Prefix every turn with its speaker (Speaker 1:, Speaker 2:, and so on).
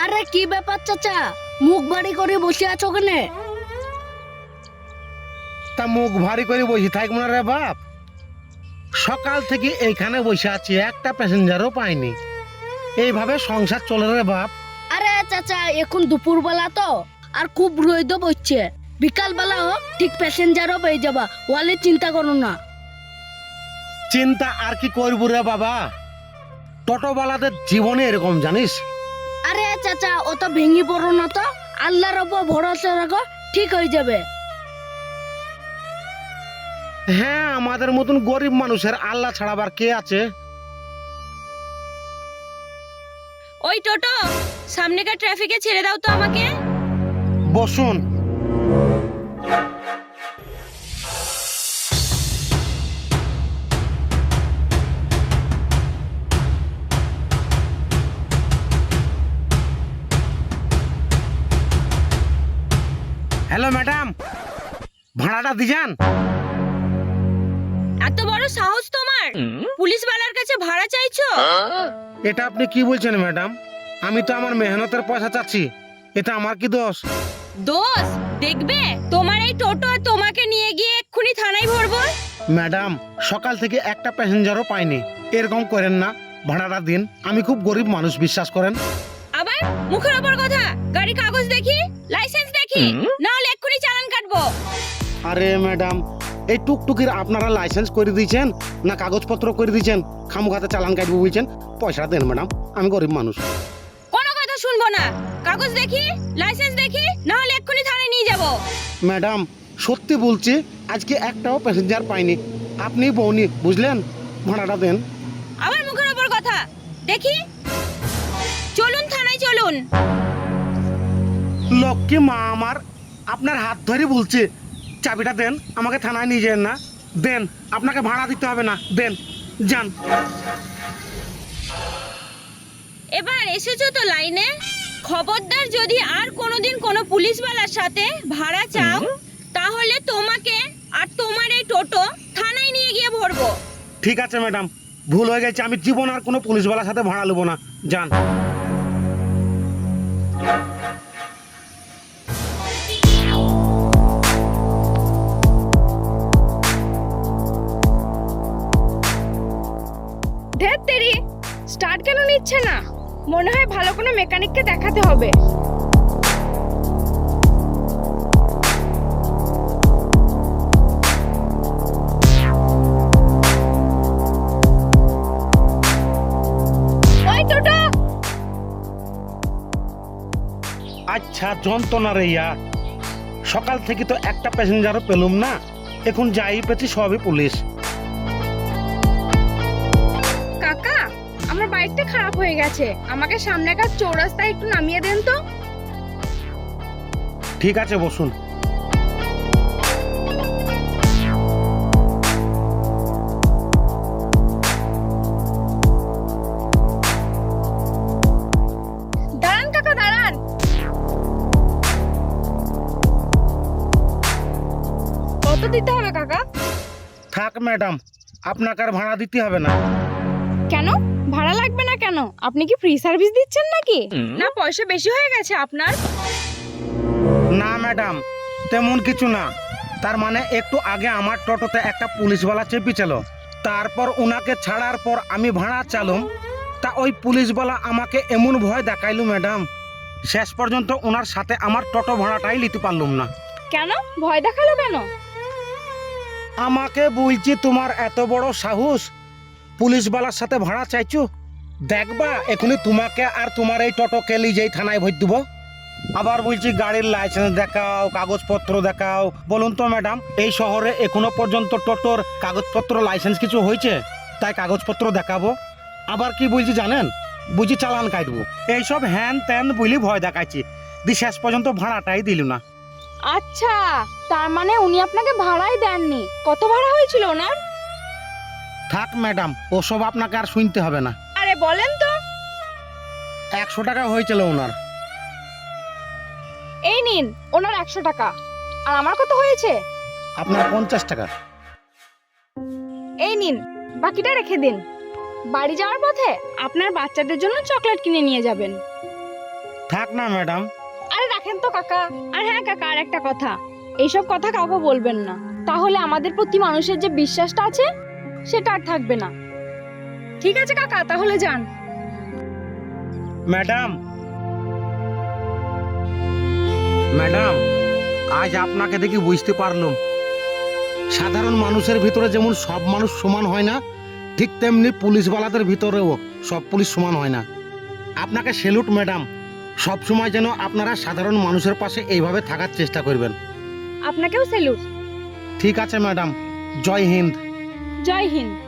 Speaker 1: আরে কি ব্যাপার চাচা, মুখ বাড়ি করে বসে আছো কেনে?
Speaker 2: তা মুখ ভারী করে বসে থাকবো না রে বাপ। সকাল থেকে এইখানে বসে আছি, একটা প্যাসেঞ্জারও পাইনি। এইভাবে সংসার চলে রে বাপ।
Speaker 1: আরে চাচা, এখন দুপুরবেলা তো, আর খুব রোদ পড়ছে। বিকাল বেলা হোক, ঠিক প্যাসেঞ্জারও পেয়ে যাবা, ওয়ালে চিন্তা করো না।
Speaker 2: চিন্তা আর কি করবো রে বাবা, টোটোওয়ালাদের জীবনে এরকম জানিস।
Speaker 1: আরে চাচা, অত ভেঙে পড়ো না তো, আল্লাহর ওপর ভরসা রাখো, ঠিক হয়ে যাবে।
Speaker 2: হ্যাঁ, আমাদের মতন গরিব মানুষের আল্লাহ ছাড়াবার কে আছে?
Speaker 3: ওই টোটো, সামনেকার ট্রাফিকে ছেড়ে দাও তো আমাকে।
Speaker 2: বসুন। হ্যালো ম্যাডাম, ভাড়াটা দিজান।
Speaker 3: এত বড় সাহস তোমার, পুলিশওয়ালার কাছে ভাড়া চাইছো?
Speaker 2: এটা আপনি কি বলছেন ম্যাডাম? আমি তো আমার মেহনতের পয়সা চাচ্ছি, এটা আমার কি দোষ?
Speaker 3: দোষ দেখবে, তোমার এই টোটো তোমাকে নিয়ে গিয়ে এক্ষুনি থানায় ভরবো।
Speaker 2: ম্যাডাম, সকাল থেকে একটা প্যাসেঞ্জারও পাইনি, এরকম করেন না, ভাড়াটা দিন। আমি খুব গরিব মানুষ, বিশ্বাস করেন।
Speaker 3: আবার মুখের ওপর কথা, গাড়ি কাগজ দেখি, লাইসেন্স দেখি, না হলে এক্ষুনি চালান কাটবো।
Speaker 2: আরে ম্যাডাম, এই টুকটুকির আপনারা লাইসেন্স করে দিয়েছেন না কাগজপত্র করে দিয়েছেন? খামুখাতে চালান কাটবো বলছেন, পয়সা দেন ম্যাডাম, আমি গরিব মানুষ।
Speaker 3: কোনো কথা শুনবো না, কাগজ দেখি, লাইসেন্স দেখি, না হলে এক্ষুনি থানায় নিয়ে যাবো।
Speaker 2: ম্যাডাম, সত্যি বলছি, আজকে একটাও প্যাসেঞ্জার পাইনি। আপনি বউনি, বুঝলেন? ভাড়াটা দেন।
Speaker 3: আবার মুখের ওপর কথা, দেখি, চলুন থানায় চলুন।
Speaker 2: লক্ষ্মী মা আমার, আপনার হাত ধরে বলছে, চাবিটা দেন, আমাকে থানায় নিয়ে যান না। দেন, আপনাকে ভাড়া দিতে হবে না, দেন, যান।
Speaker 3: এবার এসেছো তো লাইনে, খবরদার যদি আর কোনোদিন কোনো পুলিশওয়ালার সাথে ভাড়া চাও, তাহলে তোমাকে আর তোমার এই টোটো থানায় নিয়ে গিয়ে ভরবো।
Speaker 2: ঠিক আছে ম্যাডাম, ভুল হয়ে গেছে, আমি জীবন আর কোনো পুলিশওয়ালার সাথে ভাড়া নেবো না, যান।
Speaker 4: ধ্যাত তেরি, স্টার্ট কেন নিচ্ছে না? মনে হয় ভালো কোনো মেকানিককে দেখাতে হবে। ওই টোটো,
Speaker 2: আচ্ছা, যন্ত্রণা রে ইয়া, সকাল থেকে তো একটা প্যাসেঞ্জারও পেলুম না, এখন যাই পেছি সবই পুলিশ।
Speaker 4: কাকা, আমার বাইকটা খারাপ হয়ে গেছে, আমাকে সামনেকার চৌরাস্তায় একটু নামিয়ে দেন তো।
Speaker 2: ঠিক আছে, বসুন।
Speaker 4: দাঁড়ান কাকা, দাঁড়ান। কত দিতে হবে কাকা?
Speaker 2: থাক ম্যাডাম, আপনাকে আর ভাড়া দিতে হবে না।
Speaker 4: কেন ভাড়া লাগবে না কেন? আপনি কি ফ্রি সার্ভিস দিচ্ছেন নাকি? না পয়সা বেশি হয়ে গেছে আপনার?
Speaker 2: না ম্যাডাম, তেমন কিছু না। তার মানে একটু আগে আমার টোটোতে একটা পুলিশওয়ালা চেপেছিল, তারপর ওনাকে ছাড়ার পর আমি ভাড়া চালুম, তা ওই পুলিশওয়ালা আমাকে এমন ভয় দেখাইলো ম্যাডাম, শেষ পর্যন্ত ওনার সাথে আমার টোটো ভাড়াটাই নিতে পারলুম না।
Speaker 4: কেন ভয় দেখালো কেন?
Speaker 2: আমাকে বলছি, তোমার এত বড় সাহস, পুলিশওয়ালার সাথে ভাড়া চাইছো? দেখবা এখনই তোমাকে আর তোমার এই টোটোকে নিজেই থানায় ভর দেবো। আবার বলছি গাড়ির লাইসেন্স দেখাও, কাগজপত্র দেখাও। বলুন তো ম্যাডাম, এই শহরে এখনো পর্যন্ত টোটোর কাগজপত্র লাইসেন্স কিছু হয়েছে? তাই কাগজপত্র দেখাবো। আবার কি বলছি জানেন? বুঝি চালান কাটবো, এইসব হ্যান ত্যান বলি ভয় দেখাচ্ছি, দি শেষ পর্যন্ত ভাড়াটাই দিল না।
Speaker 4: আচ্ছা, তার মানে উনি আপনাকে ভাড়াই দেননি। কত ভাড়া হয়েছিল ওনার?
Speaker 2: থাক ম্যাডাম, ওসব আপনাকে আর শুনতে হবে না।
Speaker 4: আরে বলেন তো।
Speaker 2: 100 টাকা হয়েছিল ওনার।
Speaker 4: এই নিন ওনার 100 টাকা। আর আমার কত হয়েছে?
Speaker 2: আপনার 50 টাকা।
Speaker 4: এই নিন, বাকিটা রেখে দিন। বাড়ি যাওয়ার পথে আপনার বাচ্চাদের জন্য চকলেট কিনে নিয়ে যাবেন।
Speaker 2: থাক না ম্যাডাম।
Speaker 4: আরে রাখেন তো কাকা। আর হ্যাঁ কাকা, আর একটা কথা, এইসব কথা কাউকে বলবেন না, তাহলে আমাদের প্রতি মানুষের যে বিশ্বাসটা আছে সেটা আর থাকবে না। ঠিক আছে কাকা, তাহলে যান।
Speaker 2: ম্যাডাম, ম্যাডাম, আজ আপনাকে দেখি বুঝতে পারলাম সাধারণ মানুষের ভিতরে যেমন সব মানুষ সমান হয় না, ঠিক তেমনি পুলিশওয়ালাদের ভিতরেও সব পুলিশ সমান হয় না। আপনাকে স্যালুট ম্যাডাম। সব সময় যেন আপনারা সাধারণ মানুষের পাশে এইভাবে থাকার চেষ্টা করবেন।
Speaker 4: আপনাকেও স্যালুট।
Speaker 2: ঠিক আছে ম্যাডাম, জয় হিন্দ।
Speaker 4: জয় হিন্দ।